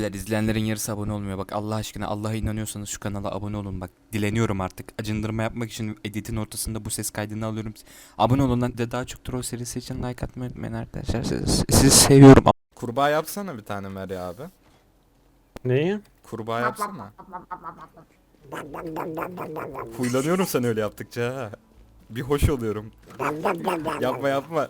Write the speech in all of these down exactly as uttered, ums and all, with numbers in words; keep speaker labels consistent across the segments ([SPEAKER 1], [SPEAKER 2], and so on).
[SPEAKER 1] Beyler izleyenlerin yarısı abone olmuyor. Bak Allah aşkına Allah'a inanıyorsanız şu kanala abone olun. Bak dileniyorum artık. Acındırma yapmak için editin ortasında bu ses kaydını alıyorum. Abone olun lan. De daha çok troll serisi için like atmayı unutmayın arkadaşlar. Siz- Sizi seviyorum.
[SPEAKER 2] Kurbağa yapsana bir tane Meri abi.
[SPEAKER 3] Neyi?
[SPEAKER 2] Kurbağa yapsana. Huylanıyorum sen öyle yaptıkça ha. Bir hoş oluyorum. Yapma yapma.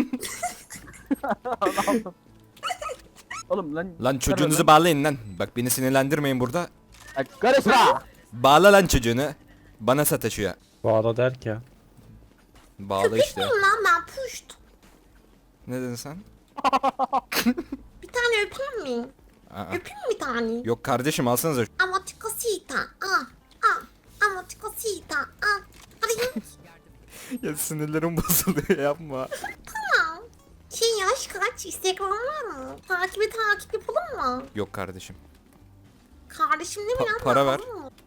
[SPEAKER 4] Oğlum lan.
[SPEAKER 1] Lan çocuğunuzu bağlayın lan. Bak beni sinirlendirmeyin burada.
[SPEAKER 4] Lan karışma.
[SPEAKER 1] Bağla lan çocuğunu. Bana sataşıyor.
[SPEAKER 3] Bağla der ki.
[SPEAKER 1] Bağla işte.
[SPEAKER 5] Lan ben puşt.
[SPEAKER 1] Ne dedin sen?
[SPEAKER 5] Bir tane öpeyim mi?
[SPEAKER 1] Aa.
[SPEAKER 5] Öpeyim mi bir tane?
[SPEAKER 1] Yok kardeşim alsanıza.
[SPEAKER 5] Amatikosita. Ah. Ah. Amatikosita. Ah. Hadi.
[SPEAKER 2] Ya sinirlerim bozuluyor yapma.
[SPEAKER 5] Tamam. Şey yaş kaç? Instagram var mı? Takibi takip yapalım mı?
[SPEAKER 1] Yok kardeşim.
[SPEAKER 5] Kardeşim ne
[SPEAKER 1] Pa-
[SPEAKER 5] mi lan?
[SPEAKER 1] para ver.
[SPEAKER 5] Yapalım mı?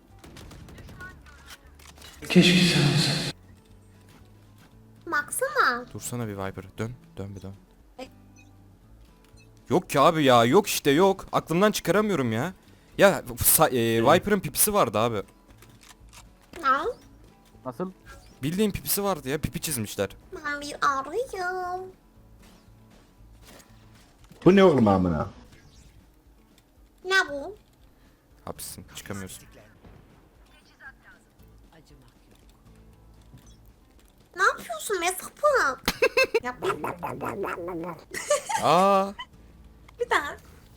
[SPEAKER 5] Baksana.
[SPEAKER 1] Dursana bir Viper. Dön. Dön bir dön. Yok ki abi ya. Yok işte yok. Aklımdan çıkaramıyorum ya. Ya sa- e, Viper'ın pipisi vardı abi.
[SPEAKER 5] Ne?
[SPEAKER 4] Nasıl?
[SPEAKER 1] Bildiğin pipisi vardı ya. Pipi çizmişler.
[SPEAKER 5] Ben bir arıyım.
[SPEAKER 6] Bu ne oğlum amına?
[SPEAKER 5] Ne bu?
[SPEAKER 1] Hapissin. Çıkamıyorsun.
[SPEAKER 5] Ne yapıyorsun be sapık? Yapma.
[SPEAKER 1] Aa.
[SPEAKER 5] Bir daha.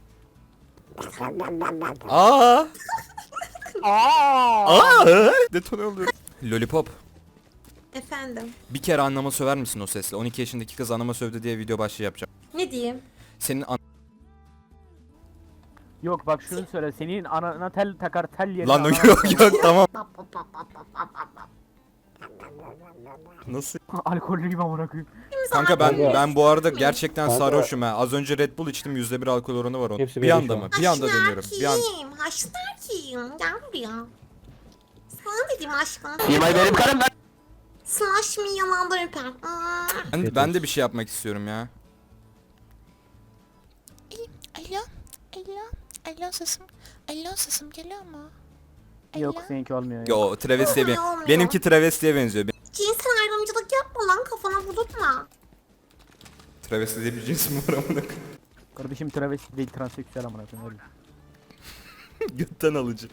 [SPEAKER 1] Aa.
[SPEAKER 4] Aa!
[SPEAKER 1] Aa. Detone oluyor. Lollipop.
[SPEAKER 5] Efendim.
[SPEAKER 1] Bir kere annama söver misin o sesle? on iki yaşındaki kız annama sövdü diye video başlığı yapacağım.
[SPEAKER 5] Ne diyeyim?
[SPEAKER 1] Senin an-
[SPEAKER 4] Yok bak şunu söyle. Senin anana tel takar tel yerine.
[SPEAKER 1] Lan
[SPEAKER 4] anana-
[SPEAKER 1] yok yok tamam. Nasıl?
[SPEAKER 4] Alkollü gibi amına koyayım.
[SPEAKER 1] Kanka ben
[SPEAKER 3] Kanka.
[SPEAKER 1] ben bu arada gerçekten
[SPEAKER 3] Kanka.
[SPEAKER 1] sarhoşum ha. Az önce Red Bull içtim yüzde bir alkol oranı var onun.
[SPEAKER 3] Hepsi
[SPEAKER 1] Bir
[SPEAKER 3] benim
[SPEAKER 1] anda
[SPEAKER 3] şu
[SPEAKER 1] mı?
[SPEAKER 3] an.
[SPEAKER 1] Bir anda deniyorum. Bir an.
[SPEAKER 5] Kim? Haşlar kim? Gel buraya. Sana dedim aşkım.
[SPEAKER 4] Yemeği benim karım lan.
[SPEAKER 5] Slash me yalandan öper. Hmm.
[SPEAKER 1] Ben, ben de bir şey yapmak istiyorum ya.
[SPEAKER 7] Alo, alo, alo sesim, alo sesim geliyor mu? Alo.
[SPEAKER 4] Yok seninki olmuyor. ya.
[SPEAKER 1] Yo travestiye ben.
[SPEAKER 5] Olmuyor.
[SPEAKER 1] Benimki travestiye benziyor.
[SPEAKER 5] Cinsel ayrımcılık yapma lan kafana vurdurtma.
[SPEAKER 1] Travesti diye bir cins mi var amına koyayım?
[SPEAKER 4] Kardeşim travesti değil transseksüel amına koyayım öyle.
[SPEAKER 1] Götten alıcı.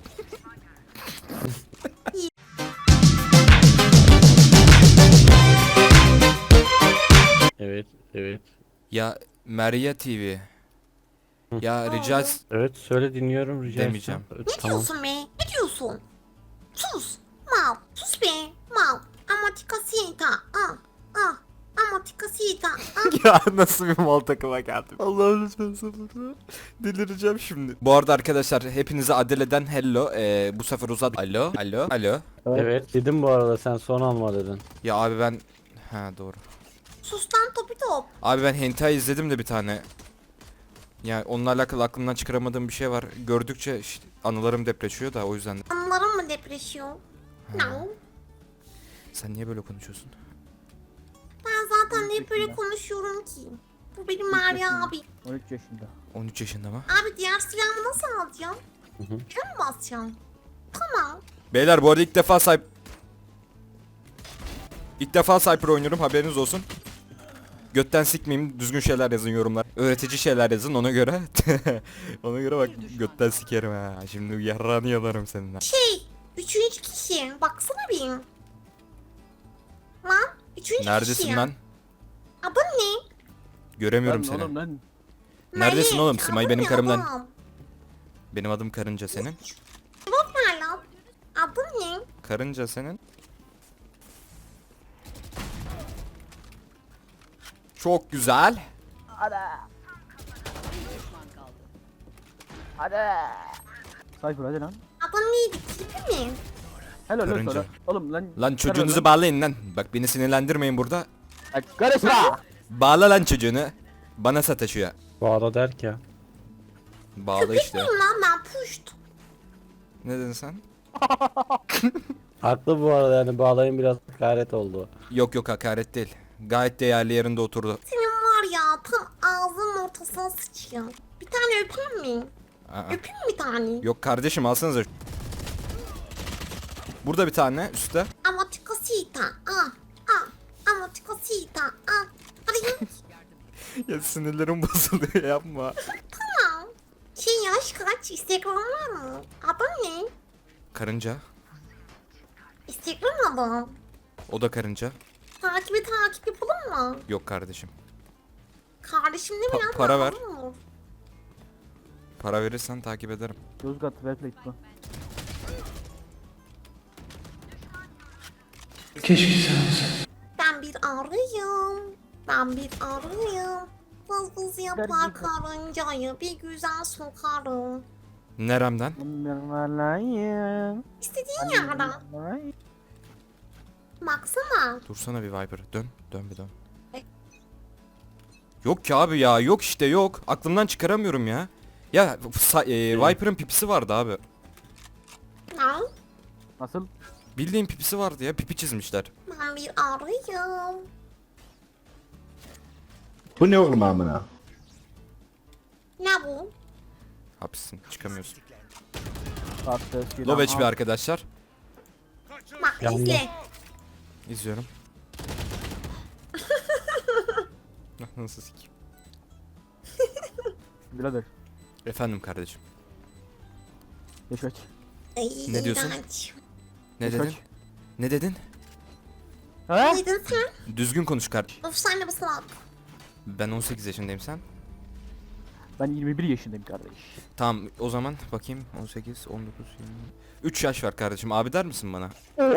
[SPEAKER 3] Evet, evet.
[SPEAKER 1] Ya Meria T V. Ya rica et-
[SPEAKER 3] Evet, söyle dinliyorum rica
[SPEAKER 1] Demeyeceğim.
[SPEAKER 3] etsem. Evet,
[SPEAKER 5] Ne
[SPEAKER 3] tamam.
[SPEAKER 5] diyorsun be? Ne diyorsun? Sus. Mal. Sus be. Mal. Amatikasita. Ah. Ah. Amatikasita. Ah.
[SPEAKER 1] Ya nasıl bir mal takıma geldim. Allah'ım lütfen sabır. Delireceğim şimdi. Bu arada arkadaşlar hepinize Adele'den hello. Ee, bu sefer uzadı. Alo. Alo. Alo.
[SPEAKER 3] Evet, dedim bu arada sen son alma dedin.
[SPEAKER 1] Ya abi ben... Ha doğru.
[SPEAKER 5] Sus lan topi top.
[SPEAKER 1] Abi ben hentai izledim de bir tane. Yani onunla alakalı aklımdan çıkaramadığım bir şey var. Gördükçe işte anılarım depreşiyor da o yüzden.
[SPEAKER 5] Anılarım mı depreşiyor? Ne?
[SPEAKER 1] Sen niye böyle konuşuyorsun?
[SPEAKER 5] Ben zaten hep böyle konuşuyorum ki. Bu benim Meryem abi.
[SPEAKER 4] on üç yaşında.
[SPEAKER 1] on üç yaşında mı?
[SPEAKER 5] Abi diğer silahımı nasıl alacağım?
[SPEAKER 3] hı.
[SPEAKER 5] Şuna mı basacağım? Tamam.
[SPEAKER 1] Beyler bu arada ilk defa sahip... İlk defa Cypher oynuyorum haberiniz olsun. Götten sikmeyeyim düzgün şeyler yazın yorumlar. Öğretici şeyler yazın ona göre. Ona göre bak götten sikerim ha. Şimdi yarrağını yalarım seninle.
[SPEAKER 5] Şey, üçüncü kişi. Baksana bir. Lan, üçüncü
[SPEAKER 1] Neredesin
[SPEAKER 5] kişi.
[SPEAKER 1] lan?
[SPEAKER 5] Adın ne?
[SPEAKER 1] Göremiyorum
[SPEAKER 4] Lan
[SPEAKER 1] seni.
[SPEAKER 4] oğlum lan.
[SPEAKER 1] Neredesin
[SPEAKER 5] Melek,
[SPEAKER 1] oğlum? Simay
[SPEAKER 5] adın
[SPEAKER 1] benim
[SPEAKER 5] ne
[SPEAKER 1] karımdan.
[SPEAKER 5] adam?
[SPEAKER 1] Benim adım Karınca senin.
[SPEAKER 5] Cevap ver lan. Adın ne?
[SPEAKER 1] Karınca senin. Çok güzel.
[SPEAKER 4] Hadi. Hadi. Sayfır hadi lan.
[SPEAKER 5] Adın neydi? Tipi mi?
[SPEAKER 4] Helal lan
[SPEAKER 1] Karınca.
[SPEAKER 4] sana. Oğlum lan.
[SPEAKER 1] Lan çocuğunuzu
[SPEAKER 4] karı
[SPEAKER 1] bağlayın lan. Bak beni sinirlendirmeyin burada.
[SPEAKER 4] Lan karışma.
[SPEAKER 1] Bağla lan çocuğunu. Bana sataşıyor.
[SPEAKER 3] Bağla der ki.
[SPEAKER 1] Bağla işte.
[SPEAKER 5] Bilmiyorum lan ben puşt.
[SPEAKER 1] Ne dedin sen?
[SPEAKER 3] Haklı bu arada yani bağlayın biraz hakaret oldu.
[SPEAKER 1] Yok yok hakaret değil. Gayet değerli yerinde oturdu.
[SPEAKER 5] Senin var ya tam ağzının ortasına sıçıyor. Bir tane öpeyim mi?
[SPEAKER 2] Aa.
[SPEAKER 5] Öpeyim mi bir tane?
[SPEAKER 2] Yok kardeşim alsanıza. Burada bir tane üstte.
[SPEAKER 5] Amatikasita. Ah. Ah. Amatikasita. Ah. Hadi.
[SPEAKER 2] Ya sinirlerim bozuluyor yapma.
[SPEAKER 5] Tamam. Şey yaş kaç? Instagram var mı? Adın ne?
[SPEAKER 2] Karınca.
[SPEAKER 5] Instagram adı.
[SPEAKER 2] O da karınca.
[SPEAKER 5] Takibi takip yapalım mı?
[SPEAKER 2] Yok kardeşim.
[SPEAKER 5] Kardeşim ne
[SPEAKER 2] Pa-
[SPEAKER 5] mi lan?
[SPEAKER 2] para ver.
[SPEAKER 5] Olur.
[SPEAKER 2] Para verirsen takip ederim.
[SPEAKER 4] Yozgat Wellplate bu.
[SPEAKER 5] Ben bir arıyım. Ben bir arıyım. Vız vız yapar
[SPEAKER 4] Dergi-
[SPEAKER 5] karıncayı bir güzel sokarım.
[SPEAKER 2] Neremden?
[SPEAKER 5] İstediğin yerden. Baksana.
[SPEAKER 2] Dursana bir Viper. Dön. Dön bir dön. Yok ki abi ya. Yok işte yok. Aklımdan çıkaramıyorum ya. Ya sa- e, Viper'ın pipisi vardı abi.
[SPEAKER 5] Ne?
[SPEAKER 4] Nasıl?
[SPEAKER 2] Bildiğin pipisi vardı ya. Pipi çizmişler.
[SPEAKER 5] Ben bir arıyım.
[SPEAKER 6] Bu ne oğlum amına?
[SPEAKER 5] Ne bu?
[SPEAKER 2] Hapissin. Çıkamıyorsun.
[SPEAKER 4] Attı.
[SPEAKER 2] Low H P arkadaşlar.
[SPEAKER 5] Bak
[SPEAKER 3] Yandı.
[SPEAKER 5] izle.
[SPEAKER 2] İzliyorum. Nasıl sikeyim?
[SPEAKER 4] Birader.
[SPEAKER 2] Efendim kardeşim.
[SPEAKER 4] Geç kaç.
[SPEAKER 5] Ay,
[SPEAKER 2] Ne diyorsun?
[SPEAKER 5] iğrenç.
[SPEAKER 2] Ne
[SPEAKER 4] Kaç?
[SPEAKER 2] dedin? Ne dedin?
[SPEAKER 4] He?
[SPEAKER 5] Ne dedin sen?
[SPEAKER 2] Düzgün konuş kardeşim.
[SPEAKER 5] Of sen de bir salak.
[SPEAKER 2] Ben on sekiz yaşındayım sen.
[SPEAKER 4] Ben yirmi bir yaşındayım kardeş.
[SPEAKER 2] Tamam o zaman bakayım on sekiz, on dokuz, yirmi. üç yaş var kardeşim. Abi der misin bana?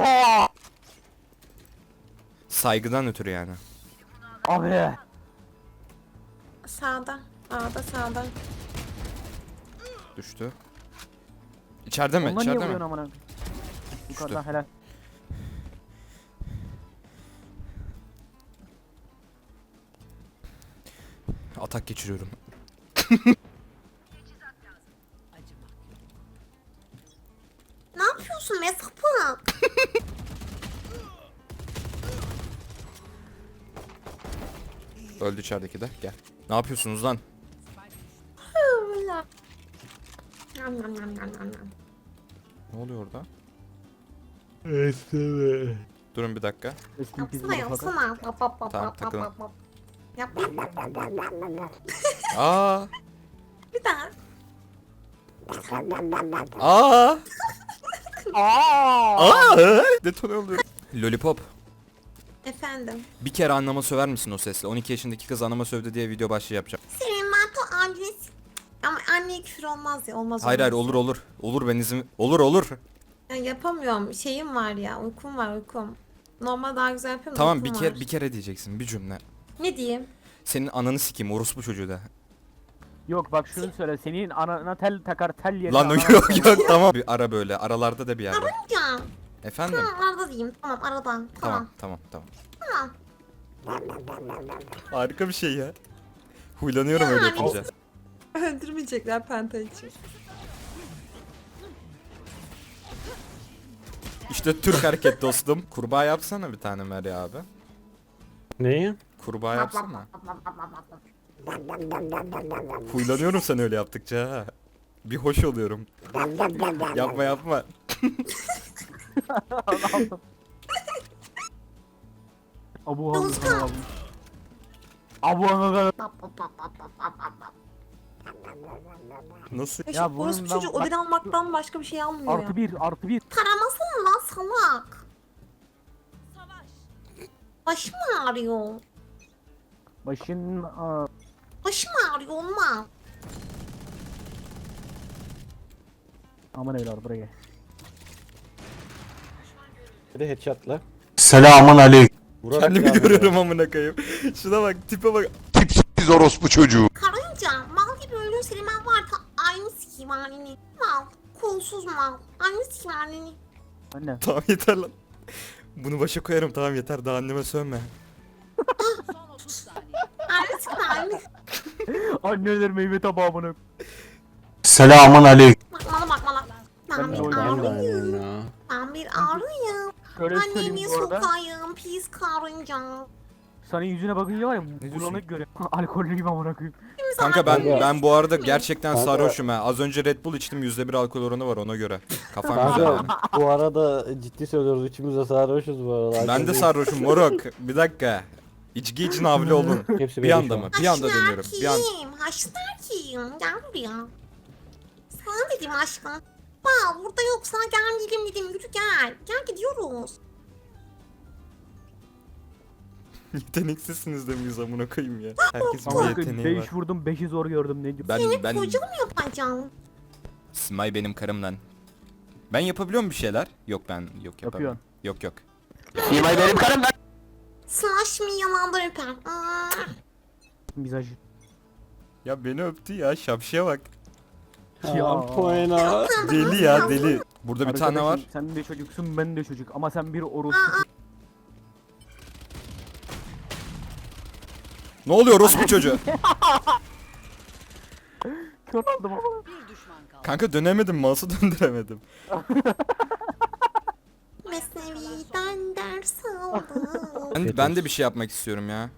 [SPEAKER 2] Saygıdan ötürü yani.
[SPEAKER 4] Abi.
[SPEAKER 5] Sağda. Sağda sağda.
[SPEAKER 2] Düştü. İçeride mi?
[SPEAKER 4] Ondan niye
[SPEAKER 2] İçeride
[SPEAKER 4] vuruyorsun
[SPEAKER 2] mi?
[SPEAKER 4] amına? Yukarıdan helal.
[SPEAKER 2] Atak geçiriyorum.
[SPEAKER 5] Ne yapıyorsun be sapık?
[SPEAKER 2] Öldü içerideki de. Gel. Ne yapıyorsunuz lan?
[SPEAKER 5] Yam yam yam yam yam yam.
[SPEAKER 2] Ne oluyor orada? Durun bir dakika.
[SPEAKER 4] Eski bir
[SPEAKER 5] Yapsana yapsana. Bap bap bap
[SPEAKER 2] Tamam,
[SPEAKER 5] bap
[SPEAKER 2] takılın.
[SPEAKER 5] bap bap. Yap yap yap yap yap yap yap yap.
[SPEAKER 2] Aa!
[SPEAKER 5] Bir daha.
[SPEAKER 2] Aa! Aa! Detone oluyor. Lollipop.
[SPEAKER 5] Efendim.
[SPEAKER 2] Bir kere anneme söver misin o sesle? on iki yaşındaki kız anneme sövdü diye video başlığı yapacağım.
[SPEAKER 5] Senin ben to annesi. Ama anneye küfür olmaz ya olmaz.
[SPEAKER 2] Hayır hayır
[SPEAKER 5] olmaz.
[SPEAKER 2] olur olur. Olur ben izin... Olur olur.
[SPEAKER 5] Ya yapamıyorum. Şeyim var ya. Uykum var uykum. Normal daha güzel yapıyorum. da
[SPEAKER 2] Tamam bir
[SPEAKER 5] uykum
[SPEAKER 2] kere
[SPEAKER 5] var.
[SPEAKER 2] bir kere diyeceksin bir cümle.
[SPEAKER 5] Ne diyeyim?
[SPEAKER 2] Senin ananı sikeyim orospu çocuğu da.
[SPEAKER 4] Yok bak şunu söyle. Senin anana tel takar tel yerine.
[SPEAKER 2] Lan
[SPEAKER 4] anana
[SPEAKER 2] yok
[SPEAKER 4] tel-
[SPEAKER 2] yok tamam. Bir ara böyle aralarda da bir yerde.
[SPEAKER 5] Ya.
[SPEAKER 2] Efendim?
[SPEAKER 5] Tamam arada diyeyim. Tamam aradan.
[SPEAKER 2] Tamam
[SPEAKER 5] Tamam.
[SPEAKER 2] tamam tamam.
[SPEAKER 5] Tamam.
[SPEAKER 2] Harika bir şey ya. Huylanıyorum öyle yapınca.
[SPEAKER 5] Öldürmeyecekler penta için.
[SPEAKER 2] İşte Türk hareket dostum. Kurbağa yapsana bir tane Meri abi.
[SPEAKER 3] Neyi?
[SPEAKER 2] Kurbağa yapsana. Huylanıyorum sen öyle yaptıkça ha. Bir hoş oluyorum. Yapma yapma.
[SPEAKER 4] Abu
[SPEAKER 5] Yozgat.
[SPEAKER 4] Hanım. Abu Hanım.
[SPEAKER 2] Nasıl?
[SPEAKER 5] Ya,
[SPEAKER 4] Ya
[SPEAKER 5] şu orospu
[SPEAKER 4] bundan
[SPEAKER 5] çocuğu
[SPEAKER 4] bak-
[SPEAKER 5] ödül almaktan başka bir şey almıyor ya.
[SPEAKER 4] Artı bir artı bir.
[SPEAKER 5] Taramasana lan salak. Başım ağrıyor.
[SPEAKER 4] Başın aa,
[SPEAKER 5] Başım ağrıyor olmaz.
[SPEAKER 4] aman evladım buraya gel.
[SPEAKER 3] Bir de headshot'la.
[SPEAKER 6] Selamun aleyküm.
[SPEAKER 3] Vurarak
[SPEAKER 2] Kendimi
[SPEAKER 3] devam
[SPEAKER 2] görüyorum amına koyayım. Şuna bak tipe bak.
[SPEAKER 6] Tipsiz orospu çocuğu.
[SPEAKER 5] Karınca mal gibi ölüyor senin ben var ta aynı sikiyim halini. Mal. Kolsuz mal. Aynı sikiyim halini.
[SPEAKER 4] Anne.
[SPEAKER 2] Tamam yeter lan. Bunu başa koyarım tamam yeter daha anneme sövme.
[SPEAKER 5] Aynı sikiyim halini.
[SPEAKER 4] Anneler meyve tabağı bunu.
[SPEAKER 6] Selamun aleyküm.
[SPEAKER 5] Bakmala bakmala. Ben
[SPEAKER 4] Ben de
[SPEAKER 5] bir
[SPEAKER 4] oynayayım
[SPEAKER 3] Ben de
[SPEAKER 5] arıyım.
[SPEAKER 3] aynıyım ya.
[SPEAKER 5] Ben bir arıyım.
[SPEAKER 4] Şöyle söyleyeyim
[SPEAKER 5] Annemi
[SPEAKER 4] bu arada.
[SPEAKER 5] sokayım pis karınca.
[SPEAKER 4] Senin yüzüne bakınca var ya
[SPEAKER 2] diyorsun?
[SPEAKER 4] bulanık görüyorum. Alkollüyüm amına koyayım.
[SPEAKER 2] Kanka ben
[SPEAKER 3] Kanka.
[SPEAKER 2] ben bu arada gerçekten
[SPEAKER 3] Kanka.
[SPEAKER 2] sarhoşum ha. Az önce Red Bull içtim, yüzde bir alkol oranı var ona göre. Kafam güzel benim.
[SPEAKER 3] Kanka bu arada ciddi söylüyoruz, üçümüz de sarhoşuz bu arada.
[SPEAKER 2] Ben de sarhoşum moruk. Bir dakika. İçki için havli olun.
[SPEAKER 3] Hepsi
[SPEAKER 2] Bir
[SPEAKER 3] belli
[SPEAKER 2] anda
[SPEAKER 3] şu
[SPEAKER 2] mı?
[SPEAKER 3] an.
[SPEAKER 2] Bir anda dönüyorum. Bir an.
[SPEAKER 5] Kim? Haşlar kim? Gel buraya. Sana dedim aşkım. Bak burada yoksa gel dedim dedim yürü gel. Gel gidiyoruz.
[SPEAKER 2] Yeteneksizsiniz de miyiz amına koyayım ya. Herkesin bir
[SPEAKER 4] Amına koyayım
[SPEAKER 2] yeteneği var.
[SPEAKER 4] beş vurdum beşi zor gördüm ne diyor.
[SPEAKER 2] Ben
[SPEAKER 5] Seni
[SPEAKER 2] ben
[SPEAKER 5] koca mı yapacağım?
[SPEAKER 2] Smay benim karım lan. Ben yapabiliyor muyum bir şeyler? Yok ben yok yapamıyorum. Yok yok.
[SPEAKER 5] Slash me yalandan öper. Aa,
[SPEAKER 4] Mizacı.
[SPEAKER 2] Ya beni öptü ya, şapşıya bak.
[SPEAKER 3] Ya poena.
[SPEAKER 2] Deli ya deli. Burada bir tane var.
[SPEAKER 4] Arkadaşım, sen de çocuksun ben de çocuk ama sen bir orospu.
[SPEAKER 2] Ne oluyor orospu çocuğu?
[SPEAKER 4] Kör oldum ama.
[SPEAKER 2] Kanka dönemedim, mouse'u döndüremedim.
[SPEAKER 5] Mesnevi'den ders aldım.
[SPEAKER 2] Ben, ben de bir şey yapmak istiyorum ya.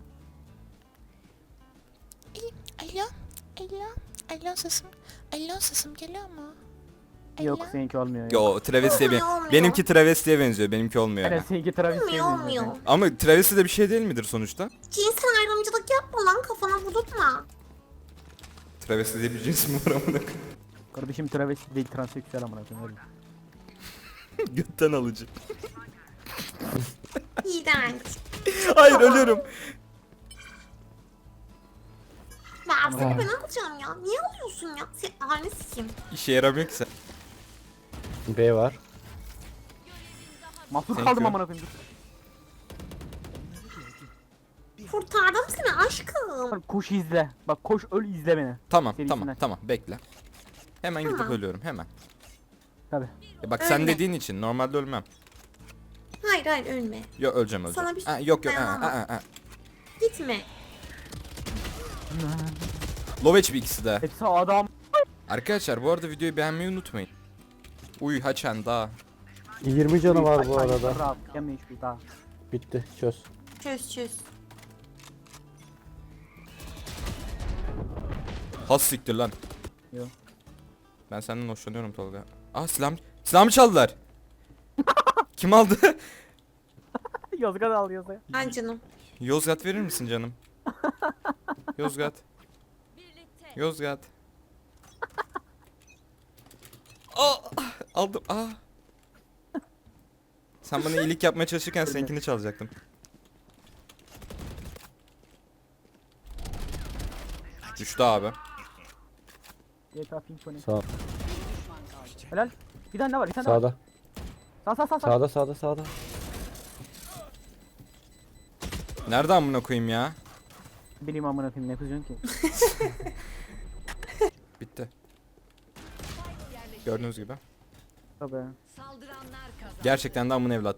[SPEAKER 7] Alo. Alo. Alo sesim. Alo sesim geliyor mu? Alo.
[SPEAKER 4] Yok seninki olmuyor ya.
[SPEAKER 2] Yo travestiye ben.
[SPEAKER 5] Olmuyor.
[SPEAKER 2] Benimki travestiye benziyor, benimki olmuyor.
[SPEAKER 4] Evet seninki travestiye
[SPEAKER 5] Olmuyor
[SPEAKER 4] benziyor.
[SPEAKER 5] olmuyor.
[SPEAKER 2] Ama travesti de bir şey değil midir sonuçta?
[SPEAKER 5] Cinsel ayrımcılık yapma lan kafana vurdurtma.
[SPEAKER 2] Travesti diye bir cins mi var amına koyayım?
[SPEAKER 4] Kardeşim travesti değil transseksüel amına koyayım. öyle.
[SPEAKER 2] Götten alıcı.
[SPEAKER 5] İğrenç.
[SPEAKER 2] Hayır ölüyorum.
[SPEAKER 5] Ben seni ben alacağım ya. Niye alıyorsun ya? Sen annesi kim?
[SPEAKER 2] İşe yaramıyor ki sen.
[SPEAKER 3] B var.
[SPEAKER 4] Mahsur
[SPEAKER 2] Thank
[SPEAKER 4] kaldım
[SPEAKER 2] you.
[SPEAKER 4] amına koyayım.
[SPEAKER 5] Kurtardım seni aşkım.
[SPEAKER 4] Dur. Koş izle. Bak koş öl izle beni.
[SPEAKER 2] Tamam
[SPEAKER 4] Serisinden.
[SPEAKER 2] tamam tamam bekle. Hemen gidip
[SPEAKER 5] Tamam.
[SPEAKER 2] ölüyorum hemen.
[SPEAKER 4] Tabi.
[SPEAKER 2] Ya bak sen
[SPEAKER 5] Ölme.
[SPEAKER 2] dediğin için normalde ölmem.
[SPEAKER 5] Hayır hayır ölme.
[SPEAKER 2] Yok öleceğim öleceğim.
[SPEAKER 5] Sana bir şey
[SPEAKER 2] Ha, yok yok. Ha,
[SPEAKER 5] dayanamam.
[SPEAKER 2] ha, ha.
[SPEAKER 5] Gitme.
[SPEAKER 2] Low H P ikisi de.
[SPEAKER 4] Hepsi adam.
[SPEAKER 2] Arkadaşlar bu arada videoyu beğenmeyi unutmayın. Uy haçan daha.
[SPEAKER 3] yirmi canı var bu
[SPEAKER 4] Ay, ay,
[SPEAKER 3] arada.
[SPEAKER 4] Rahat. Yeme hiçbir daha.
[SPEAKER 3] Bitti, çöz.
[SPEAKER 5] Çöz çöz.
[SPEAKER 2] Has siktir lan.
[SPEAKER 4] Yo.
[SPEAKER 2] Ben senden hoşlanıyorum Tolga. Ah silah silahımı çaldılar. Kim aldı?
[SPEAKER 4] Yozgat al Yozgat.
[SPEAKER 5] Ay canım.
[SPEAKER 2] Yozgat verir misin canım? Yozgat. Yozgat. Aa, aldım. Aa. Sen bana iyilik yapmaya çalışırken seninkini çalacaktım. Düştü abi.
[SPEAKER 4] G T A Symphony.
[SPEAKER 3] Sağ,
[SPEAKER 4] Helal. Bir tane daha var bir tane daha var.
[SPEAKER 3] sağda.
[SPEAKER 4] Sağ sağ sağ sağ.
[SPEAKER 3] Sağda, sağda, sağda.
[SPEAKER 2] Nerede amına koyayım ya?
[SPEAKER 4] Benim amına koyayım ne kızıyorsun ki?
[SPEAKER 2] Bitti. Gördüğünüz gibi.
[SPEAKER 4] Tabi.
[SPEAKER 2] Gerçekten de amın evlat.